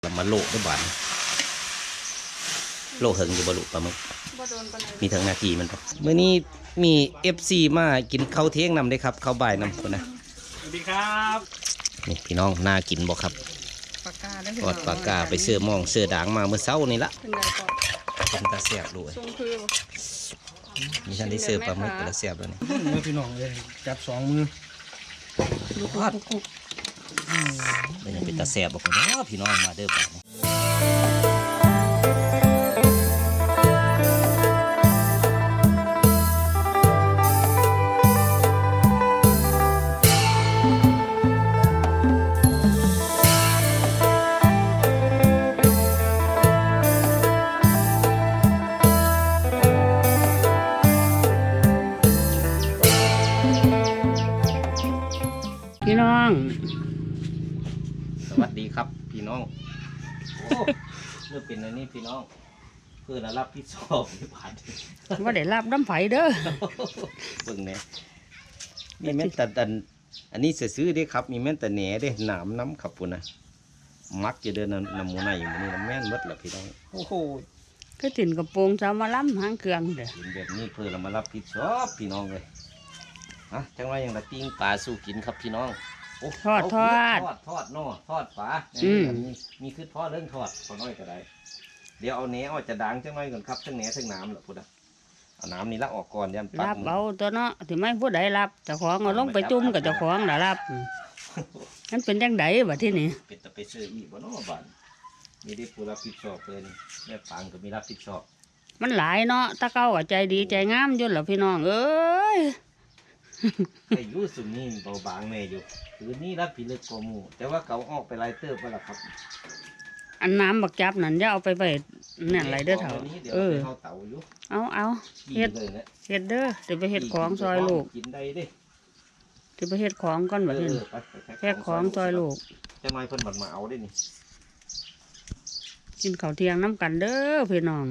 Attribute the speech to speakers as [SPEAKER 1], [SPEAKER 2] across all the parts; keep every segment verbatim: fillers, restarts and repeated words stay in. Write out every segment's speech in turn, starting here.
[SPEAKER 1] แล้วมาโลกด้วยบ้านโลกเหิงอยู่บรรลุปลาหมึกมีทั้งนาทีมันปะเมื่อนี้มีเอฟซีมากินข้าวเที่ยงนำได้ครับข้าวบ่ายนำคนนะ
[SPEAKER 2] สวัสดีครับ
[SPEAKER 1] นี่พี่น้องน่ากินบอกครับ
[SPEAKER 3] ปากกาได้
[SPEAKER 1] ทอดปากกาไปเสื้อมองเสื้อด่างมาเมื่อเช้านี่ละเป็นตาเสียบด้วยมีท่านได้เสื้อปลาหมึกแต่ละเสียบแล้วนี่
[SPEAKER 2] เมื่อพี่น้องเลยจับสองมือ
[SPEAKER 1] ลูกทอดเป็นยังเป็นตาเสียบบอกว่าพี่น้องมาเด้อบ้าน
[SPEAKER 3] พี่น้อง
[SPEAKER 1] สวัสดีครับพี่น้องโอ้เรื่องเป็นอะไรนี่พี่น้องเพื่อนรับพี่ชอบพี่ผ่าน
[SPEAKER 3] ว่าได้รับน้ำไผ่เด้อ
[SPEAKER 1] เบิ่งเนี่ยมีแม่นแต่อันอันนี้ซื้อได้ครับมีแม่นแต่แหน่ได้หนามน้ำขับปุ่นนะมักจะเดินน้ำมูน่าอยู่นี่แม่นมดแหละพี่น้องโอ้โห
[SPEAKER 3] ก็ติ่นกระโปรงจะมาล้ำหางเครื่องเด้อ
[SPEAKER 1] กินแบบนี้เพื่อเรามารับพี่ชอบพี่น้องเลยฮะจังไรอย่างละปิ้งปลาสู้กินครับพี่น้อง
[SPEAKER 3] ทอดทอด
[SPEAKER 1] ทอดทอดนอทอดปลามีมีคือทอดเรื่องทอดพอน้อยก็ได้เดี๋ยวเอาเนื้อออกจะดังจังไรก่อนครับทั้งเนื้อทั้งน้ำแหละพูดอ่ะเอาน้ำนี่ละออกก่อนยันปัก
[SPEAKER 3] รับเอาตัวเนาะถึงไม่ผู้ใดรับเจ้าของเอาลงไปจุ่มกับเจ้าของน่ะรับนั่นเป็นจังไดบ่ที่นี่
[SPEAKER 1] เป็นแต่ไปเชื่ออีกบ่เนาะบ้านมีได้ผู้รับผิดชอบเลยแม่ปังก็มีรับผิดชอบ
[SPEAKER 3] มันหลายเนาะตาเก้าใจดีใจงามยุ่นเหรอพี่น้องเอ้ย
[SPEAKER 1] ไอ้ยูสุนี่เบาบางแม่อยู่คือนี่รับผิดเลือกกมูแต่ว่าเขาออกไปไล่เติบไปละครับ
[SPEAKER 3] อันน้ำบักจับนั่นจะเอาไปไปเนี่ยไรเด้อเถอะเออเอาเอาเฮ็ดเฮ็ดเด้อเดี๋ยวไปเฮ็ดของซอยลูก
[SPEAKER 1] กินได้ดิ
[SPEAKER 3] เดี๋ยวไปเฮ็ดของก่อนแบบนี้แพ็คของซอยลูก
[SPEAKER 1] จะมาเพิ่นบัดมาเอาได้นี่
[SPEAKER 3] กินข้าวเที่ยงน้ำกันเด้อพี่น้อง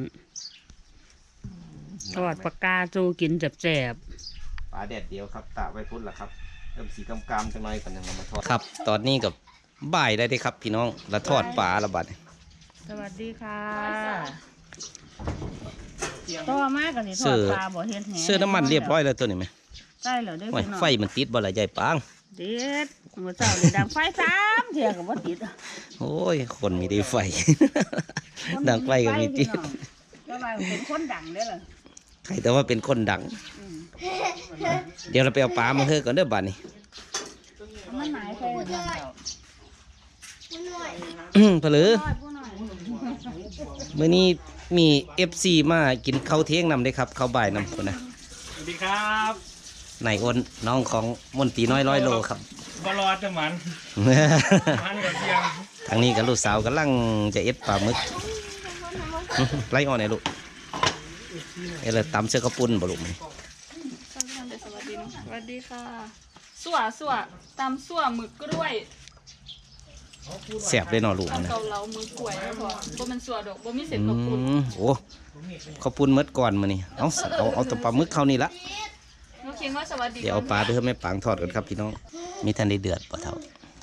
[SPEAKER 3] ทอดปากกาจูกินแซ่บ
[SPEAKER 1] ปลาแดดเดียวครับตะไว้พุ่นละครับเริ่มสีกำกำจังไรกันยังมาทอดครับตอนนี้กับบ่ายได้ได้ครับพี่น้องละทอดปลาละบัด
[SPEAKER 3] สวัสดีค่ะต่อมากกันนี่ทอดปลาบ่เห็นแห
[SPEAKER 1] เสื้อน้ำมันเรียบร้อยแล้วตัวนี้ไหม
[SPEAKER 3] ใช่เหรอได้
[SPEAKER 1] พี่น้องไฟมันติดบ่ละใหญ่ปัง
[SPEAKER 3] เด็ดมาเจ้าเลยดังไฟสามเทียกับว่าติด
[SPEAKER 1] โอ้ยคนมีได้ไฟดังไฟก็มีติด
[SPEAKER 3] ก็มาเป็นคนดังได้เลย
[SPEAKER 1] ใครแต่ว่าเป็นคนดังเดี๋ยวเราไปเอาปลามาเฮ้ก่อนเด้อบ้านนี้
[SPEAKER 3] มันหายไป
[SPEAKER 1] เผลอเมื่อนี้มีเอฟซีมากินข้าวเที่ยงนำได้ครับข้าวบ่ายนำคนนะ
[SPEAKER 2] สวัสดีครับ
[SPEAKER 1] นายอ้นน้องของมนตรีน้อยร้อยโลครับ
[SPEAKER 2] บอลอดจะมันมันกับเที่ยง
[SPEAKER 1] ทางนี้กับลูกสาวกำลังจะเอ็ดปลาหมึกไล่อ่อนไหนลูกเออเลยตำเสื้อกระปุ้นบ่ลูกไหม
[SPEAKER 4] สวัสดีค่ะสั่วสั่วตำสั่วหมึกกล้วย
[SPEAKER 1] แสบเลยเนาะลูกนะ
[SPEAKER 4] เกาเหลาหมึกกล้วยนะพ่อบ่มันสั่วดอกบ่มีเศษกระปุ้น
[SPEAKER 1] โอ้ข้าวปุ้นเมื่อก่อนมานี่เอาเอาเอาตัวปลาหมึกเขานี่ละ
[SPEAKER 4] น้องคิงว่าสวัสดี
[SPEAKER 1] เดี๋ยวเอาปลาไปให้แม่ปังทอดกันครับพี่น้องมีท่านได้เดือดปะเท่า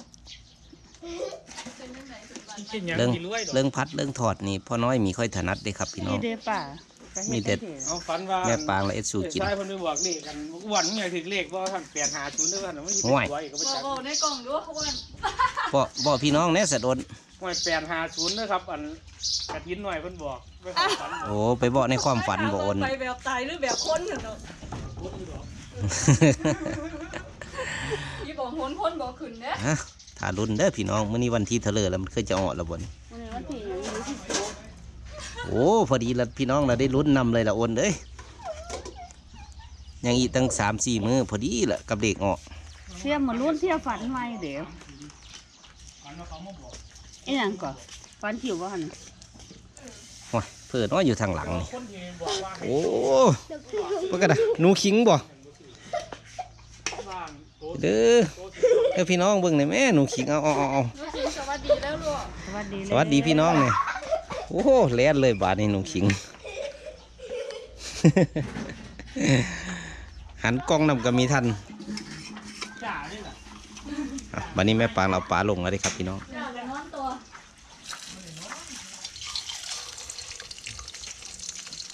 [SPEAKER 1] เรื่องเรื่องพัดเรื่องถอดนี่พ่อน้อยมีค่อยถนัดได้ครับพี่น้องมีเด็ดแม่ปางและเอ็ดสูกิน
[SPEAKER 2] ใช่คนไปบอกเลขกันวันเมื่อถึงเลขว่าท่านเปลี่ยนหาชุนด้วยกันไม่
[SPEAKER 1] ห่วย
[SPEAKER 4] บ่ในกล่องด้วยเขาว่า
[SPEAKER 1] บ่บ่พี่น้องเนี่ยสะดน
[SPEAKER 2] ห่วยเปลี่ยนหาชุนด้วยครับอันกระทิ้นหน่อยเพิ่นบอก
[SPEAKER 1] โอ้ไปบอกในความฝันบ่อน
[SPEAKER 4] ไปแบบตายหรือแบบคนเหรอพี่บอกคนคนบอกขึ้นเนี่ย
[SPEAKER 1] ถ้ารุ่นเด้อพี่น้องมื้อนี้วันที่เถลิงแล้วมันเคยจะออกแล้วบ่นี่โอ้พอดีแล้วพี่น้องเราได้ลุ้นนำเลยละโอนเอ้ยยังอีกตั้งสามสี่มือพอดีแหละกับเด็กออก
[SPEAKER 3] เทียมมาลุ้นเทียมฝันไว้เดี๋ยวไอ้ยังก่อนฝันผิวว่าหัน
[SPEAKER 1] โอ้ยเพื่อนน้อยอยู่ทางหลังนี่โอ้เพื่อนกันนะหนูขิงบ่เด้อเออพี่น้องเบิ่งหน่อยแม่หนูขิงเอาเอาเอา
[SPEAKER 4] สวัสดีแล้วลูก
[SPEAKER 3] สวัสดี
[SPEAKER 1] สวัสดีพี่น้องเนี่ยโอ้โหแล่นเลยบาดนี่หนูขิงหันกล้องนำก็มีทันบัดนี้แม่ปางเราปลาลงแล้วดิครับพี่น้อง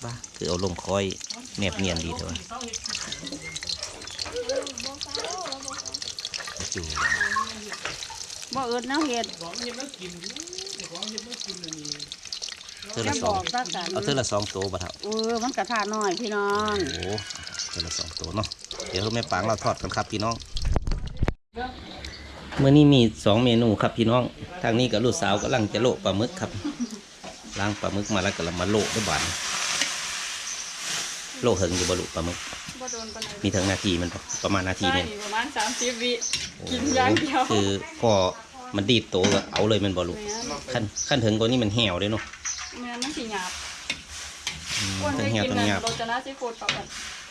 [SPEAKER 1] บ้าคือเอาลงคอยแนบเนียนดีเถอะจู
[SPEAKER 3] บ่เอิดแนวเฮ็ด
[SPEAKER 2] ของเฮ็ดมากินของเฮ็ดมากินอันนี้
[SPEAKER 1] เธอ
[SPEAKER 3] จะ
[SPEAKER 1] ละส
[SPEAKER 3] บ
[SPEAKER 1] อ
[SPEAKER 3] อง กซะกัน
[SPEAKER 1] เอาเธอละสองตัวบ่เท่า
[SPEAKER 3] เออมันกระทะน้อยพี่น้อง
[SPEAKER 1] โอ้เธอละสองตัวเนาะเดี๋ยวแม่ปางเราทอดกันครับพี่น้องเมื่อนี้มีสองเมนูครับพี่น้องทางนี้กับลูกสาวกำลังจะโละปลาหมึกครับล้างปลาหมึกมาแล้วก็เรามาโละด้วยบานโละเหิงอยู่บ่ลูกปลาหมึก
[SPEAKER 4] บ่โดนปานใด
[SPEAKER 1] มีทั้งนาทีมันบ่ประมาณนาที
[SPEAKER 4] ใช่
[SPEAKER 1] เนี่ย
[SPEAKER 4] ประมาณสามสิบวิกินอย่างเดียว
[SPEAKER 1] คือพอมันดีดโตก็เอาเลยแมันบ่ลูกขั้นขั้นถึงตัวนี้มันแห้วเลยเนาะ
[SPEAKER 4] แม่นมันสิหยาบ
[SPEAKER 1] อืม
[SPEAKER 4] คน
[SPEAKER 1] ทั้
[SPEAKER 4] ได้
[SPEAKER 1] งแห้ว
[SPEAKER 4] กิน
[SPEAKER 1] ทั้ง
[SPEAKER 4] นั่น
[SPEAKER 1] หยาบ
[SPEAKER 4] โรจนะซีฟู้ดปรับกัน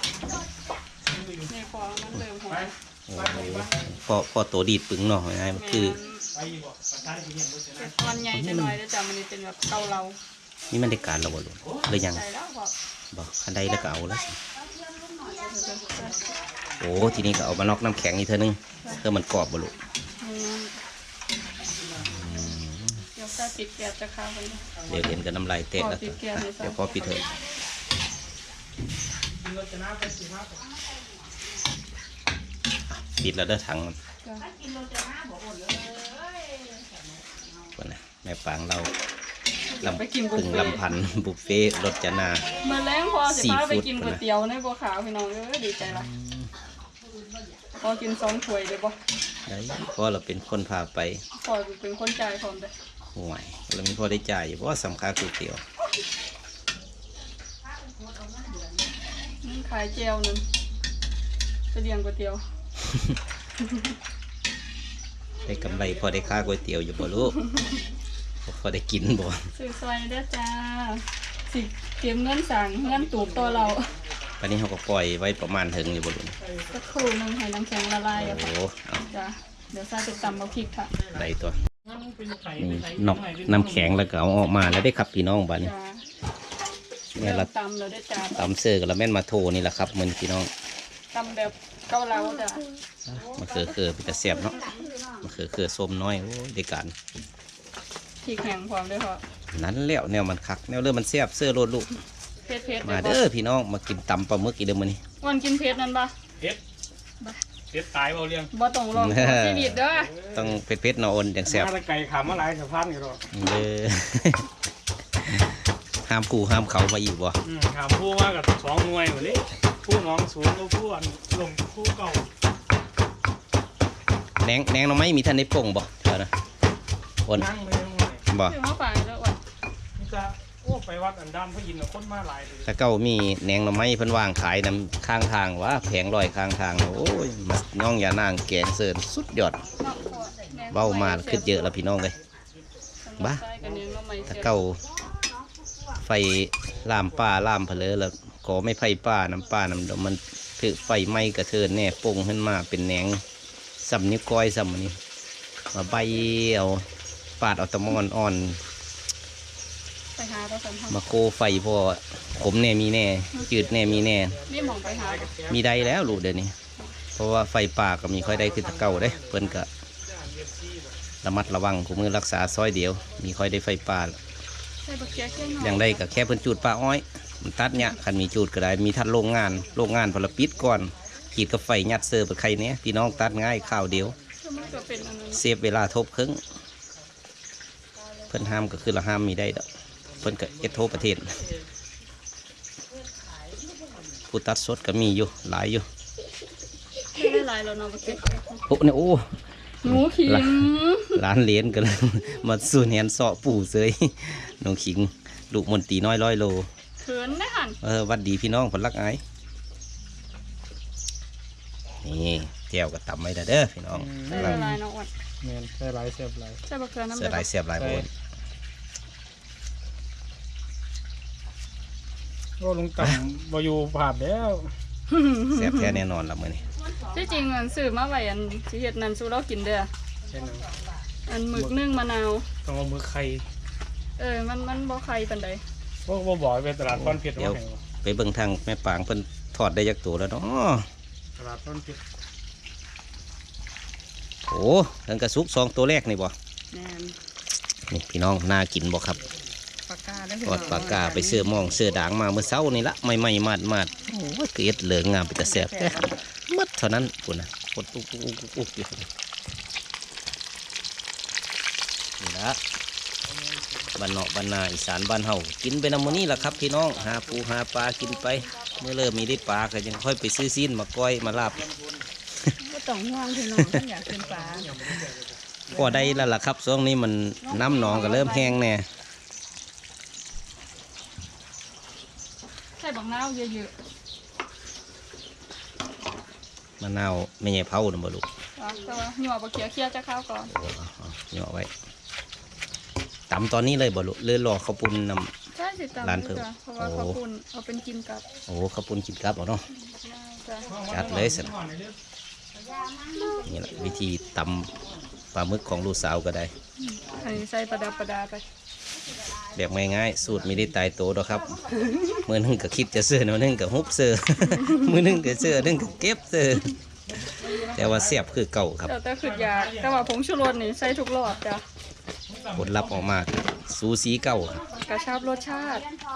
[SPEAKER 4] นี่พอมันเริ่มหอม
[SPEAKER 1] โอ้โหพอพอโตดีดปึงเนาะง่ายๆมันคือ
[SPEAKER 2] ไปอยู่บ่ประธานที่เฮ็ดบ่ชนะ
[SPEAKER 4] เป็นตอนใหญ่จะหน่อยแล้วจ้ะมันนี่เป็นแบบเกาเหลา
[SPEAKER 1] นี่มันได้การแล้วบ่ลูกเลยยัง
[SPEAKER 4] ใส่แล้วพอ
[SPEAKER 1] บอกคันใดแล้วก็เอาแล้วสิโอ้ทีนี้ก็เอามานอกน้ำแข็งอีกเท่านึงเพื่อมันกรอบบ่ลูก
[SPEAKER 4] เดี๋ยวใส่ปิดแก๊สจะข้าวไป
[SPEAKER 1] เดี๋ยวเห็นกับน้ำลายแตกแล้ว
[SPEAKER 4] พอปิดแก๊สเลยจ้ะ
[SPEAKER 1] เดี๋ยวพอปิดเถอะ
[SPEAKER 2] กินรถชนะไปสิครับ
[SPEAKER 1] ปิดแล้วเด้อถังมัน
[SPEAKER 4] จ้ะ
[SPEAKER 1] ก่อนนะแม่ปางเราลำ
[SPEAKER 4] ไปกินบุฟ
[SPEAKER 1] พึ่ง
[SPEAKER 4] เฟ่ต์
[SPEAKER 1] ลำพันธ์บุฟเฟ่ต์รสจนา
[SPEAKER 4] เมื่อแรงพอสิพาไป
[SPEAKER 1] ซีฟู้ด
[SPEAKER 4] กินก๋วยเตี๋ยวในบัวขาวพี่น้องเอ้ยดีใจละพอกินสองถ้วยเลยบ่
[SPEAKER 1] ได้เพราะเราเป็นคนพาไป
[SPEAKER 4] พอเป็นคนจ่ายพร้อมเลย
[SPEAKER 1] ห่วยเรามีพอได้จ่ายอยู่เพราะว่าสำคัญก๋วยเตี๋ยว
[SPEAKER 4] นั่นขายเจลนึงไปเลี้ยงก๋วยเตี๋ยว
[SPEAKER 1] ได้กำไรพอได้ค่าก๋วยเตี๋ยวอยู่บ่ลูกพอได้กินบ่
[SPEAKER 4] ซื้อซอยเด้อจ้าสิเก็บเงินสั่งเงินตูบตัวเรา
[SPEAKER 1] วันนี้เขาก็ปล่อยไว้ประมาณถึงอยู่บ่ลูก
[SPEAKER 4] สักครู่หนึงให้น้ำแข็งละลายอะ
[SPEAKER 1] โอ้
[SPEAKER 4] ค่ะ
[SPEAKER 1] เอา
[SPEAKER 4] จ้ะเดี๋ยวใส่ไปตำมาพริกค่ะ
[SPEAKER 1] ได้ตัว
[SPEAKER 2] งั้นเป็นไข่
[SPEAKER 1] นี่
[SPEAKER 2] ไข่
[SPEAKER 1] นอกน้ำแข็งแล้วก็เอาออกมาแล้วได้ครับพี่น้องบ้านนี้
[SPEAKER 4] จ้า
[SPEAKER 1] เนี่
[SPEAKER 4] เริ่
[SPEAKER 1] ย
[SPEAKER 4] ม
[SPEAKER 1] เรา
[SPEAKER 4] ตำแล้วได้อจ้า
[SPEAKER 1] ตำเสื้อกับละแม่นมาโทนี่แหละครับมันพี่น้อง
[SPEAKER 4] ตำแบบเกาเหลาจ้ะ
[SPEAKER 1] มาเขือเขือเป็นตะเสียบเนาะมาเขือเขือส้มน้อยโอ้ยได้การ
[SPEAKER 4] พริกแห้งพร้อมด้วยค่ะ
[SPEAKER 1] นั้นแล้วแนวมันคักแนวเริ่มมันเสียบเสื้อโลดลูก
[SPEAKER 4] เผ็ดเผ็ด
[SPEAKER 1] มาเด้อพี่น้องมากินตำปลาหมึกอีกเด้อมื้อนี้
[SPEAKER 4] วันกินเผ็ดนั่นปะ
[SPEAKER 2] เฮ็ดเฮ็ดตายเบาเลี้ยง
[SPEAKER 4] บ่ต้องลองชีวิตเด้อ
[SPEAKER 1] ต้องเผ็ดๆเนาะโอนจังแซ่บ
[SPEAKER 2] มาแต่ไก่ขามาหลายสะพานอยู่หรอก
[SPEAKER 1] เด้อ ห้ามกูห้ามเขามาอีกบ่
[SPEAKER 2] อืมถามผู้ว่ากับสองหน่วยหมดเลยผู้น้องสูงกับผู้อันลงผู้เก่า
[SPEAKER 1] แหนงแหนงเราไม่มีท่านได้ป่งบ่เท่านะโอน
[SPEAKER 2] นั่งเลยหน่วย
[SPEAKER 1] บ่
[SPEAKER 4] ถือมาฝากแล้วว่ะ
[SPEAKER 2] นี่จะโอ้ไปวัดอันดานพระยินทร์คนมาหลายเลย
[SPEAKER 1] ถ้าเก้ามีแหนงเราไม่เพิ่นวางขายนำข้างทางว่าแผงลอยข้างทางโอ้ยมาย่องอย่านางแกงเสิร์นสุดยอด
[SPEAKER 4] เนาะพอแหน่
[SPEAKER 1] เบ้ามาขึ้นเยอะแล้วพี่น้องเลย บ้า
[SPEAKER 4] ใส่กันเนื้อใหม่
[SPEAKER 1] ถ้า
[SPEAKER 4] เสีย
[SPEAKER 1] เก้าไฟลามป้าลามเพลอแล้วก็ไม่ไฟป้าน้ำป้าน้ำดอกมันถือไฟไหม้กระเทินแน่ป่งขึ้นมาเป็นแหนงสำนิ้วก้อยสำอันนี้มาใบเอาปาดเอาตะมอนอ่อน
[SPEAKER 4] ไปหาเราสัมพันธ์
[SPEAKER 1] มาโคไฟพอขมแน่มีแน่จืดแน่มีแน่
[SPEAKER 4] นี่หมองไปหาบ่
[SPEAKER 1] มีได้แล้วลูกเดี๋ยวนี้ เพราะว่าไฟป่าก็มีค่อยได้ขึ้นแตะเก่าเด้เพิ่นก็ระมัดระวังคู่มือรักษาซอยเดียว มีค่อยได้ไฟป่า
[SPEAKER 4] ใส่บักเกียแค่หน่อย
[SPEAKER 1] อย่างได้ก็แค่เพิ่นจูดป่าอ้อยมันตัดเนี่ยคันมีจูดก็ได้มีทัดโรงงานโรงงานพลปิดก่อนขีดกับไฟยัดเสิร์ฟใครเนี้ยพี่น้องตัดง่ายข้าวเดียว
[SPEAKER 4] คือมันก็เป็นอันนั้น
[SPEAKER 1] เซฟเวลาทบครึ่งเพิ่นห้ามก็คือละห้ามมีได้ดอกเพิ่นก็เอ็ดโทประเทศผู้ตัดสดก็มีอยู่หลายอยู่
[SPEAKER 4] ไม่ได้หลายแล้วเนาะบักเกีย
[SPEAKER 1] โอ้เนี่ยโอ้
[SPEAKER 4] หนูขิง
[SPEAKER 1] ร้านเหรียญกัน มาสูนแหนเสาะปู่เสยน้องขิงลูกมนตรีน้อยร้อยโล
[SPEAKER 4] เขินได้หัน
[SPEAKER 1] เออวัดดีพี่น้องผลลักไอ้นี่แก้วก็ตำไว้แล้วเด้อพี่น้อง
[SPEAKER 4] ใส่
[SPEAKER 1] กำลัง
[SPEAKER 4] ละลายเนาะอ้วน
[SPEAKER 2] แม่นใส่หลายเสียบหลาย
[SPEAKER 4] ใส่บักเกลือน้ำ
[SPEAKER 1] เสือลายเสียบลายโอน
[SPEAKER 2] ก็ลงต่ำบ่อยู่ผ่านแล้ว
[SPEAKER 1] เสียบแท้แน่นอนละมื้อนี้
[SPEAKER 4] ที่จริงอันซื้อมาไว้อันสิเฮ็ดนั่นสู้เรากินเด้อ
[SPEAKER 2] ใช่นั้น
[SPEAKER 4] อันหมึกนึ่งมะนาว
[SPEAKER 2] ต้องเอามือไข่
[SPEAKER 4] เออมันมันบ่ไข่ปานใด
[SPEAKER 2] พวกบ่บอกไปตลาดต้นเพชร
[SPEAKER 1] เดี๋ยว
[SPEAKER 2] ว่าไงวะ
[SPEAKER 1] ไปเบิ่งทางแม่ปางเพิ่นทอดได้ยักตัวแล้วเนาะ
[SPEAKER 2] ตลาดต้นเพชร
[SPEAKER 1] โอ้ทั้งกระซุกสองตัวแรกนี่บ่
[SPEAKER 4] แม่น
[SPEAKER 1] นี่พี่น้องน่ากินบ่ครับ
[SPEAKER 4] ปากกาแล้ว
[SPEAKER 1] ทอดปลากาไปเสื้อมองเสื้อด่างมาเมื่อเช้านี่ละไม่ไม่มาดมาดโอ้ยเกลียดเหลืองงามไปแต่แสบแท้มัดเท่านั้นปุ่นนะกดอุ๊กอุ๊กอุ๊กอุ๊กอยู่นี่ละบ้านเนาะบ้านนาอีสานบ้านเฮากินไปนำมื้อนี้ล่ะครับพี่น้องหาปูหาปลากินไปเมื่อเริ่มมีได้ปลาก็ยังค่อยไปซื้อซีนมาก้อยมาลาบ
[SPEAKER 3] ก็ต้องห่วงพี่น้องท่านอยากกินปลา
[SPEAKER 1] พอได้แล้วล่ะครับช่วงนี้มันน้ำหนองก็เริ่มแห้งแน่
[SPEAKER 4] ใส่บักนาวเยอะ
[SPEAKER 1] มะนาวไม่ใช่เผานะบ่ลูก
[SPEAKER 4] ๆเอาแต่ว่าหยวบักเขียวเคี่ยวจะข้าวก่อน
[SPEAKER 1] โอ้เอาเอาเหยาะไว้ตำตอนนี้เลยบ่ลูกเลยรอข้าวปุ้นน
[SPEAKER 4] ใช่สิตาม
[SPEAKER 1] ร้าน
[SPEAKER 4] นี้
[SPEAKER 1] เพิ่ม
[SPEAKER 4] จ้ะเพราะว่า
[SPEAKER 1] โอ้
[SPEAKER 4] ข้าวปุ้นเอาเป็นกินกับ
[SPEAKER 1] ำโอ้ข้าวปุ้นกินกับเอาเนาะ
[SPEAKER 4] จ้ะ
[SPEAKER 1] จัดเลยสินี่แหละวิธีตำปลาหมึกของลูกสาวก็ได้
[SPEAKER 4] ให้ใส่ประดับประดาไป
[SPEAKER 1] แบบง่ายๆสูตรไม่ได้ตายโตหรอกครับ มือหนึงก็คิดจะเสื้อมือหนึงก็ฮุบเสื้อ มือหนึงก็เสื้อหนึงก็เก็บเสื้อแต่ว่าเสียบคือเก่าครับ
[SPEAKER 4] แต่แต่คือยากแต่ว่าผงชูรสนี่ใส่ทุกรอบจ้ะ
[SPEAKER 1] ผลลัพธ์ออกมาสูสีเก่า
[SPEAKER 4] กระชับรสชาติ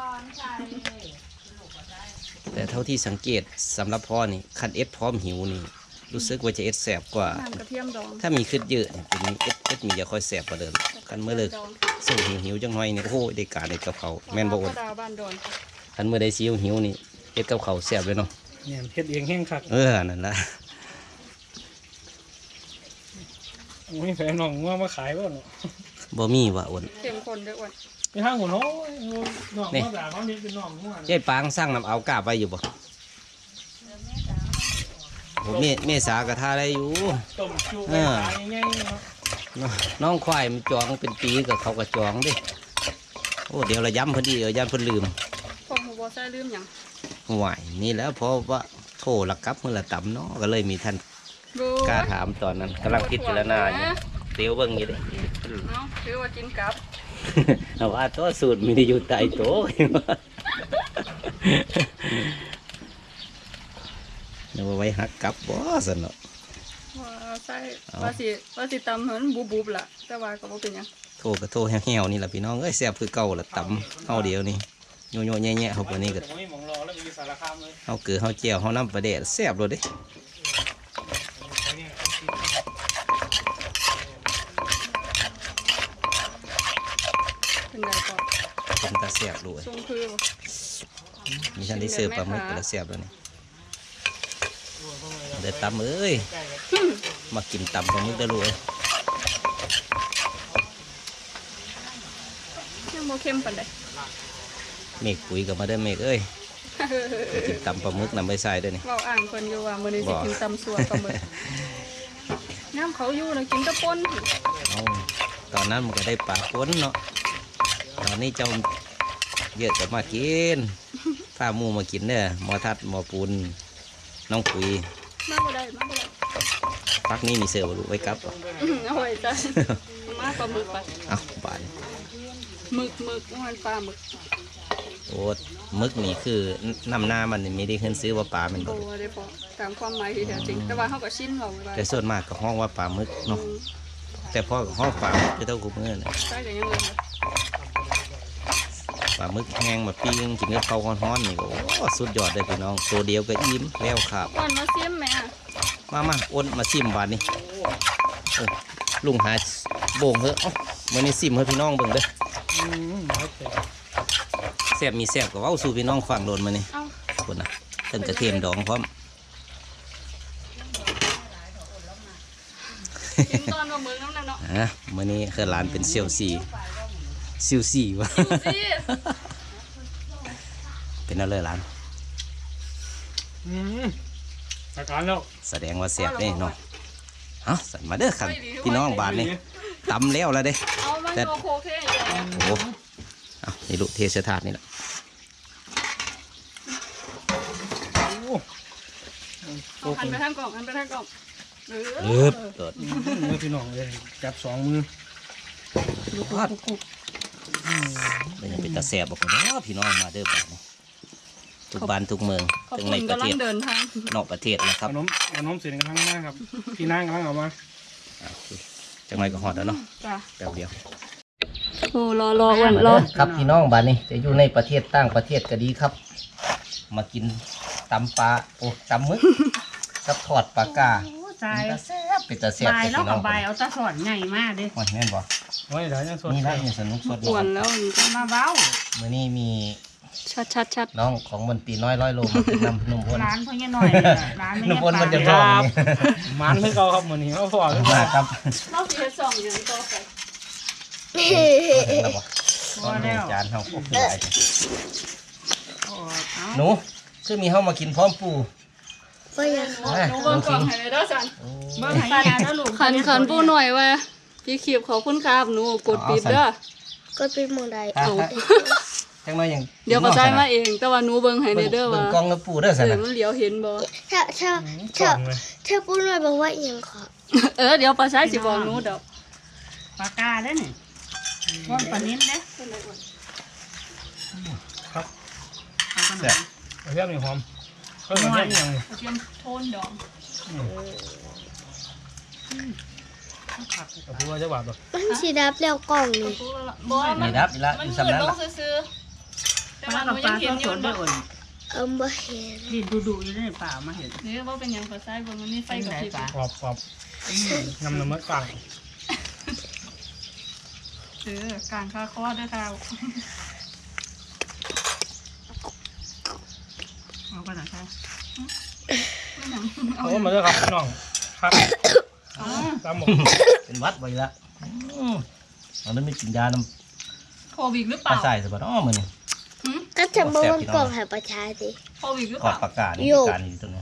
[SPEAKER 1] แต่เท่าที่สังเกตสำหรับพ่อนี่คันเอสพร้อมหิวนี่รู้สึกว่าจะเอสแสบกว่า
[SPEAKER 4] น้ำกระเทียมดอง
[SPEAKER 1] ถ้ามีขึ้นเยอะเนี่ยเป็นเอสเอสมีจะค่อยแสบกว่าเดิมคันเมื่อเลิก
[SPEAKER 4] ดอง
[SPEAKER 1] ส่งหิวหิวๆจังหน่อยนี่โอ้โหได้การได้กับเขาวแม่นบ่
[SPEAKER 4] ก
[SPEAKER 1] อ
[SPEAKER 4] ระ
[SPEAKER 1] ด
[SPEAKER 4] ดาบ้านดอน
[SPEAKER 1] คันเมื่อได้ซิวหิวนี่เอสกับเขาวแสบเลยเนาะ
[SPEAKER 2] เนี่ยเฮ็ดเองแห้งคัก
[SPEAKER 1] เออนั่นละ
[SPEAKER 2] โอ้ยแฟนน้องว่ามาขายบ่เนาะ
[SPEAKER 1] บ่มีว่ะอ้วน
[SPEAKER 4] เข้มข้นด้วยอ้วน
[SPEAKER 2] ไปทางหัวน้อยน้องมาด่าเขาเนี่ยเป็นน้องหัวย
[SPEAKER 1] ายปางสร้างน้ำเอากาบไว้อยู่บ่โอ้เมเมษากระทาได้อยู่
[SPEAKER 2] ต้มจุไปขายง่ายๆเนาะ
[SPEAKER 1] น้องน้องควายมันจองเป็นปีกับเขาก็จองเดิโอ้เดี๋ยวเราย้ำพอดีเดี๋ยวย้ำเพิ่นลืม
[SPEAKER 4] พวกหมูบอใส่ลืมหยัง
[SPEAKER 1] ไหวนี่แหล้วเพราะว่าโทรละกับมือละต่ำเนาะก็เลยมีท่าน
[SPEAKER 4] บู
[SPEAKER 1] กล้าถามตอนนั้นกำลังพิจารณาอยู่เตียวเบิ่งอยู่เด้
[SPEAKER 4] เอาถือว่ากินกับ
[SPEAKER 1] เอาว่าตัวสูตรมีได้อยู่ใต้โต๊ะเดี๋ยวเอาไว้หักกลับบ่สนเนาะ
[SPEAKER 4] ว่าใส่
[SPEAKER 1] เอา
[SPEAKER 4] ว่าสิว่าสิตำเหมือนบูบูบล่ะแต่ว่าก็บ่เป็นหยัง
[SPEAKER 1] โทรก็โทรแห้วๆนี่แหละพี่น้องเอ้ยแซ่บคือเก่าละต่ำเฮาเดียวนี่โยโย่แย่ๆเขาปานนี้ก็
[SPEAKER 2] แต่ผมไม่มองรอแล้วมีสารคามเลย
[SPEAKER 1] เฮาเกลือเฮาแจ่วเฮาน้ำปลาแดดแซ่บโลดเด้
[SPEAKER 4] เป็นไงก่อน
[SPEAKER 1] เป็นตาแซ่บด้วย
[SPEAKER 4] ทรงคือบ่
[SPEAKER 1] มีท่านได้เสิร์ฟปลาหมึกก็แล้วแซ่บแล้วนี่เด้อตำเอ้ยมากินตำปลาหมึกเด้อลูกเอ้ย
[SPEAKER 4] ยังบ่เข้มปานใด
[SPEAKER 1] เมฆปุ๋ยกับมาเด้อเมฆเอ้ยไปกินตำปลาหมึกนำไปใส่เด้อนี่
[SPEAKER 4] เว้าอ่างเพิ่นอยู่ว่ามื้อนี้สิ
[SPEAKER 1] บ่
[SPEAKER 4] กินตำสัวปลาหมึกน้ำเขาอยู่น่ะกินแตะป่น
[SPEAKER 1] เอาตอนนั้นมันก็ได้ปลาป้นเนาะตอนนี้เจ้าเยอะจะมากินพาหมูมากินเด้อหมอทัดหมอปูนน้องปุ๋ย
[SPEAKER 4] มาบ่ได้มาบ่ได้
[SPEAKER 1] พักนี้มีเสือบ่ลูกไว้กลับบ่
[SPEAKER 4] อื้อเอาไว้จ้ะมาปลาหมึกไป
[SPEAKER 1] เอาบาน
[SPEAKER 4] หมึกหมึกมันปลาหมึก
[SPEAKER 1] โอ้หมึกนี่คือน้ำหน้ามันนี่ไม่ได้ขึ้นซื้อว่าปลามันบ่
[SPEAKER 4] โอ้
[SPEAKER 1] ลูก
[SPEAKER 4] ได้พอตามความหมายที่แท้จริงแต่ว่าเฮาก็ชินเราไว้
[SPEAKER 1] แต่ส่วนมากก็ห้องว่าปลาหมึกเนาะแต่พ่อก็ห้องปลาหมึกคือเท่ากูเมื่อนะ
[SPEAKER 4] ใช่ก็ยังเลยค่ะ
[SPEAKER 1] ปลาหมึกแห้งมาปิ้งกินกับข้าวร้อนๆนี่ก็โอ้สุดยอดเลยพี่น้องตัวเดียวก็อิ่มแล้วครับ
[SPEAKER 4] ก่อนมาซิมแม่
[SPEAKER 1] มามาอ้นมาซิมบาดนี่โอ้ลุงหาโบ่งเหอะเอ้ามื่อนี้ซิมให้พี่น้องเบิ่งเด้อ
[SPEAKER 2] อืมครับแต่
[SPEAKER 1] แซ่บมีแซ่บก็เว้าสู่พี่น้องฟังโดนมานี่
[SPEAKER 4] เอ้า
[SPEAKER 1] คนน่ะเพิ่นกระเทียมดองพร้อม
[SPEAKER 4] กินตอนว่ามึงน้ำนั่นเนาะ
[SPEAKER 1] อ่ะมื่อนี้คือหลานเป็นเซียวซีเซียวซีวะ
[SPEAKER 4] ดูสิ
[SPEAKER 1] เป็นอะไรหลาน
[SPEAKER 2] อืมอาการแล้ว
[SPEAKER 1] แสดงว่าแซ่บเด้เนาะเอ้าสั่นมาเด้อครับพี่น้องบาดนี่ตำแล้วแล้วเด้
[SPEAKER 4] เอามัน
[SPEAKER 1] แต่
[SPEAKER 4] โอเคอยู่แล้ว
[SPEAKER 1] โอ้เอานี่ลูกเทเสถาดนี่แหละ
[SPEAKER 4] เอาหันไปทางกล่องหันไปทางกล่องเอ
[SPEAKER 1] เอ
[SPEAKER 4] อ
[SPEAKER 1] อเกิด
[SPEAKER 2] มือพี่น้องเลยจับสองมือ
[SPEAKER 1] พัดเป็นยังเป็นตาแซ่บบอกกันเนาะพี่น้องมาเด้อบาดนี่ทุกบ้านทุกเมือง
[SPEAKER 4] ขอบ
[SPEAKER 1] ทั้ง
[SPEAKER 4] คุ
[SPEAKER 1] ใน
[SPEAKER 4] ณ
[SPEAKER 1] ประ
[SPEAKER 4] กำลั
[SPEAKER 1] เท
[SPEAKER 4] ง
[SPEAKER 1] ศ
[SPEAKER 4] เดินทาง
[SPEAKER 1] นอกประเทศนะค
[SPEAKER 2] ข
[SPEAKER 1] รับ
[SPEAKER 2] นมขนมเสียงกันทั้งมากครับพี่นางกำลังเอามา
[SPEAKER 1] อ่ะจังไรก็หอดแล้วเนาะ
[SPEAKER 4] จ้ะ
[SPEAKER 1] แป๊บเดียว
[SPEAKER 4] อ้รอรออ้วนรอ
[SPEAKER 1] ครับพี่น้องบ้านนี้จะอยู่ในประเทศต่างประเทศก็ดีครับ มากินตำปลาโอ้ตำมึก กับทอดปลากา
[SPEAKER 3] โอ้ตาย
[SPEAKER 1] เป็นตาแซ่บเป็นตาแซ่บบ
[SPEAKER 3] าย
[SPEAKER 1] แต่
[SPEAKER 3] แล้ว
[SPEAKER 1] พี่น้
[SPEAKER 3] กั
[SPEAKER 1] อบ ง
[SPEAKER 3] บายเอาตาสอนใหญ่มากเด้
[SPEAKER 1] โอ้ยแม่นบ่
[SPEAKER 2] โอ้ยเดี๋ยวยังสด
[SPEAKER 1] นี่ละนี่สนุกสด
[SPEAKER 4] อ้วนแล้ว
[SPEAKER 3] มาเว้า
[SPEAKER 1] มื้อนี้มี
[SPEAKER 4] ชัดชัดชัด
[SPEAKER 1] น้องของมันตีน้อยร้อยโลมากินน้ำนุ่มอ้วน
[SPEAKER 3] ร้านพ่อเนี่ยหน่อยเนี่ยร้านไม่
[SPEAKER 1] นุ่ม
[SPEAKER 3] เนี่ย
[SPEAKER 1] อ้วนมันจะ
[SPEAKER 3] ป
[SPEAKER 1] ท้
[SPEAKER 3] ลา
[SPEAKER 1] องนี่
[SPEAKER 2] มันเพิ่งเอาครับมื้อนี้เอาพอหรือเป
[SPEAKER 1] มา
[SPEAKER 2] ล่า
[SPEAKER 1] ครับ
[SPEAKER 4] เราสิเฮ็ดสองอย่างต่อไป
[SPEAKER 1] มาถึงแล้วบ่ตอนนี้จานเฮาโอ้โหหลายจัง
[SPEAKER 3] โอ้เอา
[SPEAKER 1] หนูคือมีเฮามากินพร้อมปู
[SPEAKER 4] หนูเบิ่งกล่องให้เลยเด้อสัน
[SPEAKER 3] เบิ่งให้ยาแล้วลูก
[SPEAKER 4] ขันขันปูหน่อยว่าพี่ขีบขอบคุณครับหนูกดปิดเด้อ
[SPEAKER 5] ก็เป็นหมองใด
[SPEAKER 1] เอาจังน้อยยัง
[SPEAKER 4] เดี๋ยวก็ใช้มาเอง แต่ว่าหนูเบิ่งให้ใน
[SPEAKER 1] เบิ่ง
[SPEAKER 4] เด้อ
[SPEAKER 1] เบิ่
[SPEAKER 4] ว่าง
[SPEAKER 1] กล้องแล้วปูเด้อ
[SPEAKER 4] เอ
[SPEAKER 1] ซั่น
[SPEAKER 4] อ
[SPEAKER 1] น่ะ
[SPEAKER 4] มันเหลียวเห็นบ่
[SPEAKER 5] ถ้าถ้า
[SPEAKER 2] ก่
[SPEAKER 5] ถ้า
[SPEAKER 2] อนเลย
[SPEAKER 5] ถ้าปุ้นเลยบอกว่าเอียงขอ
[SPEAKER 4] เออเดี๋ยวปลาใช้สิบอกหนูดอก
[SPEAKER 3] ปากกาเด้อนี่ว่อนปลานิ้นเด้
[SPEAKER 2] ครับ
[SPEAKER 3] เอาขน
[SPEAKER 1] แซ่บ
[SPEAKER 3] ม
[SPEAKER 2] เอาเทียมนี่หอมเพิ่มมาเทียมนี่ยัง
[SPEAKER 4] เตรียมโทนดอก
[SPEAKER 2] กับผู้ว่าจะบาดบ่
[SPEAKER 5] มันสีดับแล้วกล่องนี่
[SPEAKER 4] บ่มั
[SPEAKER 1] นี่
[SPEAKER 4] น
[SPEAKER 1] ดับอีละ
[SPEAKER 4] มัน
[SPEAKER 1] อยู่
[SPEAKER 4] มื
[SPEAKER 1] สำ
[SPEAKER 4] ด
[SPEAKER 1] นั้น
[SPEAKER 4] ลง
[SPEAKER 1] ล่ะ
[SPEAKER 4] ซื่อๆแต่
[SPEAKER 3] ปลา
[SPEAKER 4] ว่าห
[SPEAKER 3] กั
[SPEAKER 4] นู
[SPEAKER 3] บป
[SPEAKER 4] ยั
[SPEAKER 3] ลาง
[SPEAKER 4] เห็นอ
[SPEAKER 3] ส
[SPEAKER 4] ยู่
[SPEAKER 3] ดๆได้
[SPEAKER 4] บ่
[SPEAKER 3] อ่อน
[SPEAKER 5] เอิมบ่เห็น
[SPEAKER 3] ดินดูๆอยู่ในป่ามาเห็น
[SPEAKER 4] นี่ว่าเป็นหยังปลาใช้บ่มันมีไฟกับพริบ
[SPEAKER 3] ปลา
[SPEAKER 2] กรอบกรอบน้ำน้ำมันกลาง
[SPEAKER 4] เออกลางคาคอเด้อค่ะ
[SPEAKER 3] เอาไปไหนใช่
[SPEAKER 2] โอ้มาเด้อครับพี่น้องครับตามหมก
[SPEAKER 1] เป็นหวัดบ่อีละอืมมันนั้นไม่กินยาน้
[SPEAKER 4] โควิดหรือ
[SPEAKER 1] ำ
[SPEAKER 4] เป
[SPEAKER 1] ปลา
[SPEAKER 4] ล่า
[SPEAKER 1] ใส่ซะบ่เนาะมื้อนี้
[SPEAKER 5] ก็จะบอกมันกล่องให้ประชาสิ
[SPEAKER 4] โควิดหรือ
[SPEAKER 1] ท
[SPEAKER 4] เป
[SPEAKER 1] อด
[SPEAKER 4] ล่า
[SPEAKER 1] ปลากานี่
[SPEAKER 5] โย่
[SPEAKER 1] การอยู่ตรงนี้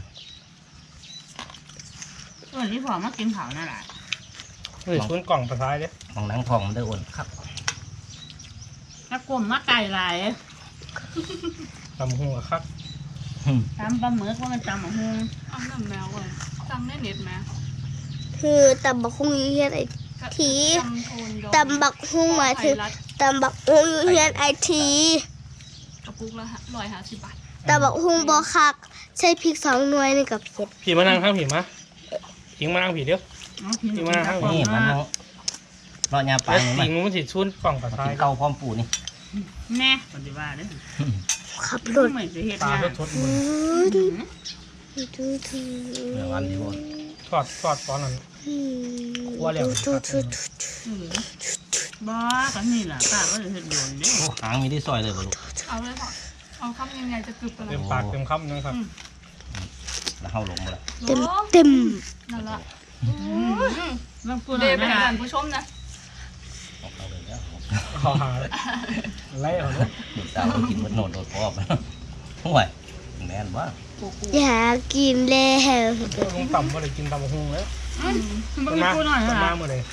[SPEAKER 3] ส่วนที่พอมากินเผานั่นแหละ
[SPEAKER 2] เฮ้ยชุนกล่องปลาท้ายเด้
[SPEAKER 1] ของหนังทองมันได้อ้วนครับ
[SPEAKER 3] ถ้ากลมมาไก่ลาย
[SPEAKER 2] ตำหัวครับ
[SPEAKER 3] ตำปลาหมึกว่ามันตำหมกฮุง
[SPEAKER 4] เอาน้ำแมวก่อนจำได้เน็ตไหม
[SPEAKER 5] คือตำบักฮุ่งอยู่เฮียนไอที
[SPEAKER 4] จำโทนดอก
[SPEAKER 5] ตำบักฮุ่งหมายถึงตำบักฮุ่งอยู่เฮียนไอที
[SPEAKER 4] กระปุกละร้อยห้าสิบบาท
[SPEAKER 5] ตำบักฮุ่งบ่คักใช้พริกสองหน่วยนี่กับเผ็ด
[SPEAKER 2] ผีมานั่งข้างผีมาทิ้งมานั่งผีเดียว
[SPEAKER 3] เอากิน
[SPEAKER 2] นี่มา
[SPEAKER 1] นี่มันเอาเลาะยาปลา
[SPEAKER 2] แล้ว
[SPEAKER 1] นี่มั
[SPEAKER 2] ทิ้
[SPEAKER 1] น
[SPEAKER 2] งมันสิชุนกล่องปลา
[SPEAKER 1] มา
[SPEAKER 2] ท้า
[SPEAKER 1] กิ
[SPEAKER 2] ย
[SPEAKER 1] นเก้าพร้อมปูนี่
[SPEAKER 3] แน่ปฏิบัติเด้อ
[SPEAKER 5] ขับรถ
[SPEAKER 3] ไม่จะเห็ด
[SPEAKER 2] ปลาง
[SPEAKER 3] าน
[SPEAKER 2] ก็ชดมือ
[SPEAKER 5] ดูดูดู
[SPEAKER 1] เดี๋ยววันดีบ่
[SPEAKER 2] ทอดทอดตอนนั้น คั่วแล้ว
[SPEAKER 5] ดูดูดู
[SPEAKER 3] บ่กันนี่ล่ะป้าก็จะเห็ดโดนเด้อ
[SPEAKER 1] โอ้หางมีได้ซอยเลยบ่ลูก
[SPEAKER 4] เอาเลยค่ะเอาคำยังไงจะกรึบกัน
[SPEAKER 2] เต็
[SPEAKER 4] นะ
[SPEAKER 2] มปากเต็มคำนะครับ
[SPEAKER 1] แล้วเฮาลงมาแล้ว
[SPEAKER 5] เต็มเต็ม
[SPEAKER 4] นั่นละ
[SPEAKER 3] บางคน
[SPEAKER 4] เด
[SPEAKER 3] เอา
[SPEAKER 4] ไป
[SPEAKER 3] ไม่
[SPEAKER 4] ให้
[SPEAKER 3] ได้
[SPEAKER 4] ท่านผู้ชมนะ
[SPEAKER 1] เอาเลยแล้ว
[SPEAKER 2] เอาหาไล่เอาเนาะ
[SPEAKER 1] เด็กสาวก็กินมันโนดโดดพอบนะห่วยแม่นบ่
[SPEAKER 5] อยากกินแล้ว
[SPEAKER 2] ลุงต่ำมาเลยกินตำหุงแล้ว
[SPEAKER 3] มันมีกูหน่อย
[SPEAKER 2] ต้น
[SPEAKER 3] เหร
[SPEAKER 2] มา
[SPEAKER 3] อ
[SPEAKER 2] เมื่อไร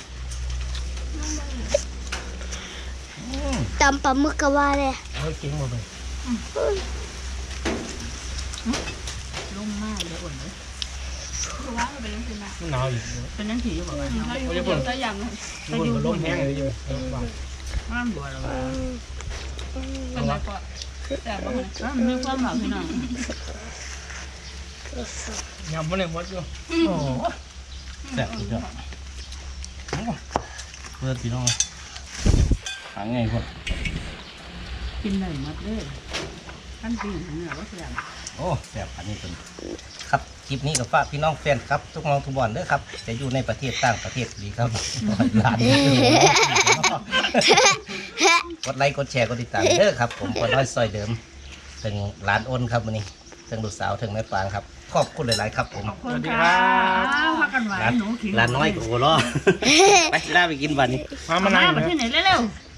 [SPEAKER 5] ตำปลาหมึกก็ว่าเลย
[SPEAKER 2] เฮ้ยกินหมดเลย
[SPEAKER 3] ลงมากเลยอ่อนเลย
[SPEAKER 4] คือว่ามันเป็นยังไงนะ
[SPEAKER 2] มันหนาวอีก
[SPEAKER 3] เป็นนั่นผีอยู่บอกว่า
[SPEAKER 4] ถ้าอยู่เดียวจะยำเลย
[SPEAKER 2] มันบนมันลมแห้งเลยอยู่เออว่ะ
[SPEAKER 3] ห้ามบัวหรอวะ
[SPEAKER 4] เป็นไรก่อนแต่ว่ามัน
[SPEAKER 3] ว่ามันมีความหมายพี่น้อง
[SPEAKER 2] ยำมันเลยหมดอยู่
[SPEAKER 1] โอ้แซ่บสุดยอดเพื่อนพี่น้องหางไงคน
[SPEAKER 3] กินได้หมดเลยขั้นปีนี่แหละว่าแซ่บ
[SPEAKER 1] โอ้แซ่บอันนี้เป็นครับคลิปนี้กับฝากพี่น้องแฟนครับทุกน้องทุกบอลเด้อครับจะอยู่ในประเทศต่างประเทศดีครับร้านนี้กดไลค์กดแชร์กดติดตามเด้อครับผมคนน้อยซอยเดิมถึงร้านอ้นครับวันนี้ถึงลูกสาวถึงแม่ปางครับขอบคุณหลายๆครับผม
[SPEAKER 3] คนครับพักกันไว้
[SPEAKER 1] ร้าน
[SPEAKER 3] หนูขิง
[SPEAKER 1] ร้านน้อยกับโอล้อไปลาไปกินวันนี้
[SPEAKER 2] มามา
[SPEAKER 3] มา
[SPEAKER 2] นั่ง
[SPEAKER 3] มา
[SPEAKER 2] นะ
[SPEAKER 3] ที่ไหนเร็วๆ